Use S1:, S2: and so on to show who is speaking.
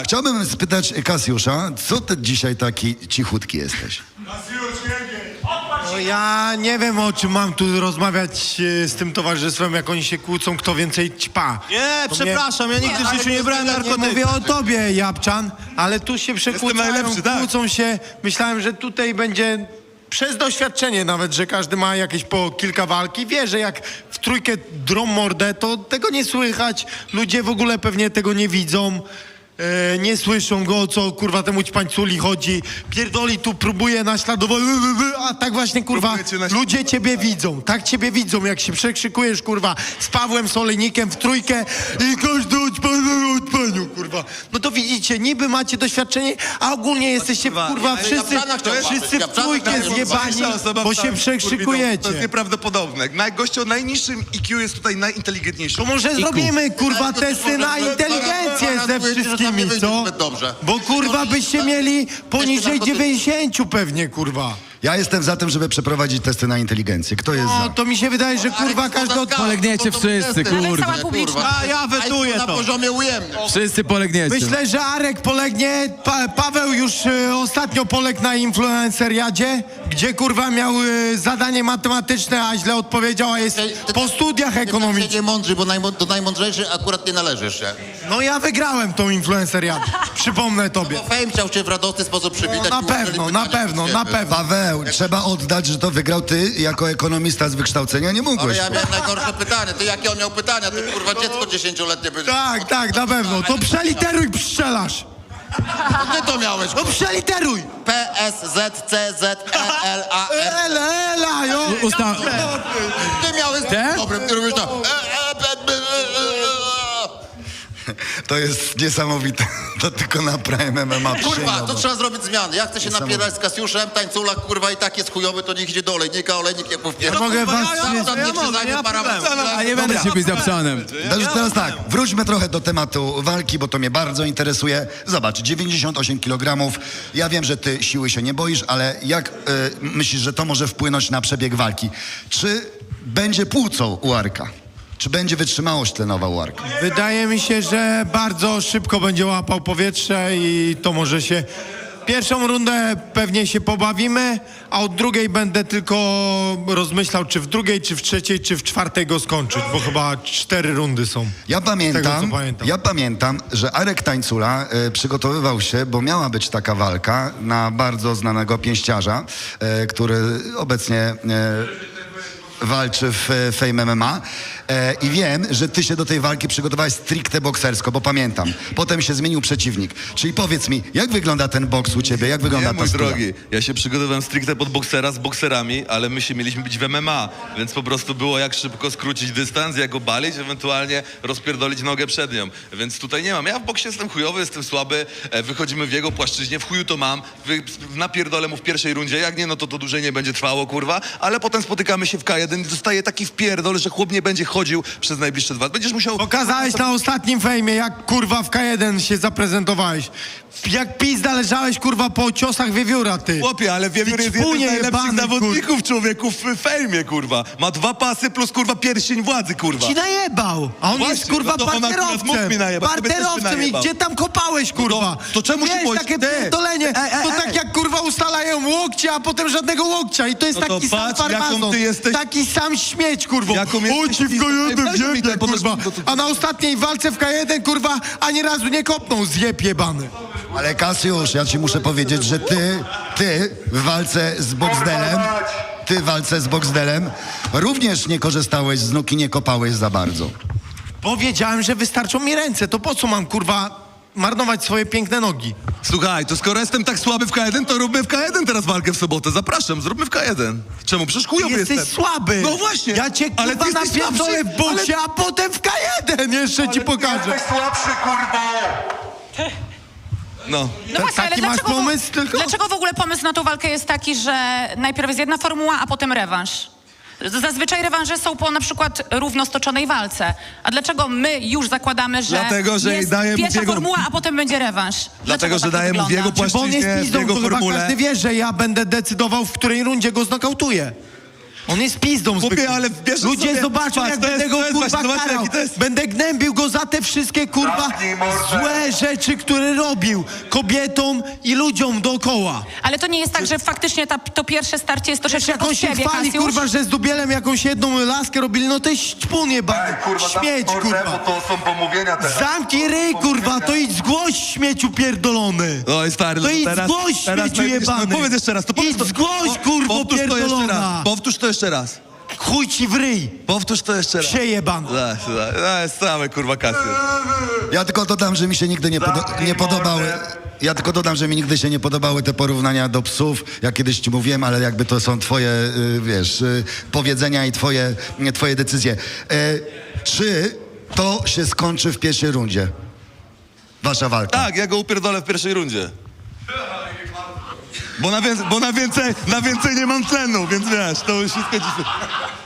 S1: Chciałbym spytać Kasiusza, co ty dzisiaj taki cichutki jesteś?
S2: No ja nie wiem, o czym mam tu rozmawiać z tym towarzystwem, jak oni się kłócą, kto więcej ćpa.
S3: Nie,
S2: To
S3: przepraszam, ja nigdy w życiu nie brałem
S2: Nie
S3: narkotyków.
S2: mówię o tobie, Japczan, ale tu się przekłócają,
S3: najlepszy, tak.
S2: kłócą się. Myślałem, że tutaj będzie przez doświadczenie nawet, że każdy ma jakieś po kilka walki. Wie, że jak w trójkę drą mordę, to tego nie słychać. Ludzie w ogóle pewnie tego nie widzą. Nie słyszą go, o co kurwa temu ćpańculi chodzi. Pierdoli tu, próbuje naśladować, a tak właśnie kurwa ludzie ciebie widzą. Tak ciebie widzą, jak się przekrzykujesz kurwa z Pawłem Solejnikiem w trójkę i każdy odpaniu kurwa. No to widzicie, niby macie doświadczenie, a ogólnie jesteście kurwa wszyscy w trójkę zjebani, bo się przekrzykujecie.
S4: To jest nieprawdopodobne. Gościu o najniższym IQ jest tutaj najinteligentniejszy.
S2: To może zrobimy kurwa testy na inteligencję ze wszystkimi, co? Bo kurwa byście mieli poniżej 90 pewnie kurwa.
S1: Ja jestem za tym, żeby przeprowadzić testy na inteligencję. Kto jest
S2: No
S1: za?
S2: to mi się wydaje, że kurwa każdy od...
S5: Polegniecie wszyscy,
S6: Ale
S5: kurwa.
S6: cała publiczność.
S3: A ja wetuję
S7: Na
S3: to.
S7: poziomie ujemnym.
S5: Wszyscy polegniecie.
S2: Myślę, że Arek polegnie, Paweł już ostatnio poległ na influenceriadzie, gdzie kurwa miał zadanie matematyczne, a źle odpowiedział, a jest po studiach ekonomicznych.
S7: Nie mądrzy, bo do najmądrzejszych akurat nie należysz się.
S2: No ja wygrałem tą influenceriadę, przypomnę tobie.
S7: Bo Fame chciał cię w radosny sposób przywitać.
S2: No,
S7: i udzielić
S2: na
S7: pytania
S2: pewno,
S7: od
S2: na
S7: ciebie.
S2: pewno.
S1: Paweł, trzeba oddać, że to wygrał ty jako ekonomista z wykształcenia. Nie
S7: Ale
S1: mógłeś.
S7: ja miałem najgorsze pytanie. Ty jakie on miał pytania? Ty kurwa dziecko 10-letnie będzie.
S2: Tak, na pewno. To przeliteruj, pszczelasz.
S7: Ty to miałeś.
S2: No przeliteruj.
S7: P, S, Z, C, Z, E, L, A, R.
S2: Ela, jo.
S7: Ty miałeś
S5: Te?
S7: dobre, ty robisz to.
S1: To jest niesamowite. To tylko na Prime MMA
S7: Kurwa,
S1: przyjmował.
S7: to trzeba zrobić zmiany. Ja chcę się napierać z Kasiuszem, tańcula, kurwa, i tak jest chujowy, to niech idzie do olejnika, olejnik jak
S2: Ja mogę was...
S5: A nie będę się bić za psanem.
S1: Teraz tak, wróćmy trochę do tematu walki, bo to mnie bardzo interesuje. Zobacz, 98 kg. Ja wiem, że ty siły się nie boisz, ale jak myślisz, że to może wpłynąć na przebieg walki? Czy będzie płucą u Arka? Czy będzie wytrzymałość tlenowa u Arka?
S2: Wydaje mi się, że bardzo szybko będzie łapał powietrze i to może się... Pierwszą rundę pewnie się pobawimy, a od drugiej będę tylko rozmyślał, czy w drugiej, czy w trzeciej, czy w czwartej go skończyć, bo chyba 4 rundy są.
S1: Ja pamiętam,
S2: Tego, co pamiętam.
S1: ja pamiętam, że Arek Tańcula przygotowywał się, bo miała być taka walka na bardzo znanego pięściarza, który obecnie walczy w Fame MMA i wiem, że ty się do tej walki przygotowałeś stricte boksersko, bo pamiętam. Potem się zmienił przeciwnik. Czyli powiedz mi, jak wygląda ten boks u ciebie? Jak wygląda
S4: Nie,
S1: ta
S4: mój
S1: stula?
S4: drogi, ja się przygotowałem stricte pod boksera z bokserami, ale my się mieliśmy bić w MMA, więc po prostu było jak szybko skrócić dystans, jak obalić, ewentualnie rozpierdolić nogę przed nią. Więc tutaj nie mam. Ja w boksie jestem chujowy, jestem słaby, wychodzimy w jego płaszczyźnie, w chuju to mam, napierdolę mu w pierwszej rundzie, jak nie, no to dłużej nie będzie trwało, kurwa, ale potem spotykamy się w K1 i dostaję taki wpierdol, że chłop nie będzie chodził przez najbliższe 2. Będziesz musiał...
S2: Pokazałeś na ostatnim fejmie, jak kurwa w K1 się zaprezentowałeś. Jak pizda leżałeś kurwa po ciosach wiewióra, ty.
S4: Chłopie, ale Wiewiór
S2: Ty
S4: jest jeden z
S2: ćpunie
S4: najlepszych
S2: jebany,
S4: zawodników, człowieku, w fejmie, kurwa. Ma 2 pasy plus, kurwa, pierścień władzy, kurwa.
S2: Ci najebał, a on
S4: Właśnie,
S2: jest kurwa
S4: no to on akurat mógł
S2: parterowcem.
S4: mi najebać, tobie też by
S2: Parterowcem i
S4: najebał.
S2: gdzie tam kopałeś kurwa?
S4: to czemu się
S2: Wiesz,
S4: boisz?
S2: takie
S4: Ty.
S2: pierdolenie, to tak jak kurwa ustalają łokcie, a potem żadnego łokcia i to jest
S4: No to
S2: taki sam
S4: patrz, jaką
S2: farmazon,
S4: ty jesteś-
S2: taki sam śmieć kurwa.
S4: Jaką jesteś
S2: O ci w
S4: pizdą.
S2: K1
S4: Weź mi
S2: wjebie
S4: ten, podnoś
S2: kurwa,
S4: mi to-
S2: a na ostatniej walce w K1 kurwa ani razu nie kopnął, zjeb jebany.
S1: Ale Kasiusz, ja ci muszę powiedzieć, że ty w walce z Boxdelem również nie korzystałeś z nóg i nie kopałeś za bardzo.
S2: Powiedziałem, że wystarczą mi ręce, to po co mam kurwa marnować swoje piękne nogi?
S4: Słuchaj, to skoro jestem tak słaby w K1, to róbmy w K1 teraz walkę w sobotę. Zapraszam, zróbmy w K1. Czemu? Przecież chujowy
S2: Jesteś
S4: jestem.
S2: słaby.
S4: No właśnie.
S2: Ja cię
S4: Ale
S2: kurwa
S4: ty jesteś
S2: napierdolę
S4: słabszy,
S2: w boksie, a potem w K1 jeszcze ci pokażę.
S4: No.
S6: No właśnie, ale
S2: taki masz
S6: dlaczego,
S2: pomysł tylko?
S6: dlaczego w ogóle pomysł na tą walkę jest taki, że najpierw jest jedna formuła, a potem rewanż? Zazwyczaj rewanże są po na przykład równo stoczonej walce. A dlaczego my już zakładamy, że
S4: Dlatego, że
S6: jest
S4: daje mu
S6: pierwsza
S4: biegu-
S6: formuła, a potem będzie rewanż?
S4: Dlatego,
S6: Dlaczego
S4: że
S6: tak to
S4: daje mu w
S6: wygląda?
S4: jego
S2: Bo on jest
S4: płaszczyźnie, w
S2: pizdą,
S4: jego
S2: to chyba
S4: formule.
S2: każdy wie, że ja będę decydował, w której rundzie go znokautuję. On jest pizdą
S3: Chłopie,
S2: zwykłą.
S3: ale wiesz,
S2: Ludzie
S3: sobie-
S2: zobaczą,
S3: patrz,
S2: jak
S3: to jest-
S2: będę go
S3: to jest
S2: kurwa
S3: właśnie, zobacz,
S2: karał.
S3: jaki to jest-
S2: Będę gnębił go za te wszystkie kurwa złe rzeczy, które robił kobietom i ludziom dookoła.
S6: Ale to nie jest tak, że faktycznie to pierwsze starcie jest
S2: Przecież
S6: troszeczkę
S2: jak on
S6: pod
S2: się
S6: siebie,
S2: chwali,
S6: Kasiusz.
S2: kurwa, że z Dubielem jakąś jedną laskę robili, no to jest ćpun jebany. Śmieć, kurwa.
S7: to są pomówienia teraz.
S2: Zamknij ryj, kurwa, to idź zgłoś śmieciu pierdolony.
S3: Oj, stary,
S2: To
S3: no
S2: idź
S3: teraz...
S2: zgłoś śmieciu jebany.
S3: Powiedz jeszcze raz, to powiedz
S2: Idź
S3: to.
S2: zgłoś, kurwo,
S3: Powtórz to jeszcze raz.
S2: pierdolona.
S3: Powtórz to jeszcze raz.
S2: Chuj ci w ryj,
S3: Powtórz to jeszcze raz.
S2: przejebany.
S4: To jest same, kurwa, Kasiusz.
S1: Ja tylko dodam, że mi się nigdy nie podobały. Ja tylko dodam, że mi nigdy się nie podobały te porównania do psów. Ja kiedyś ci mówiłem, ale jakby to są twoje, wiesz, powiedzenia i twoje decyzje. Czy to się skończy w pierwszej rundzie? Wasza walka.
S4: Tak, ja go upierdolę w pierwszej rundzie.
S3: Bo na więcej nie mam tlenu, więc wiesz, to już wszystko ci...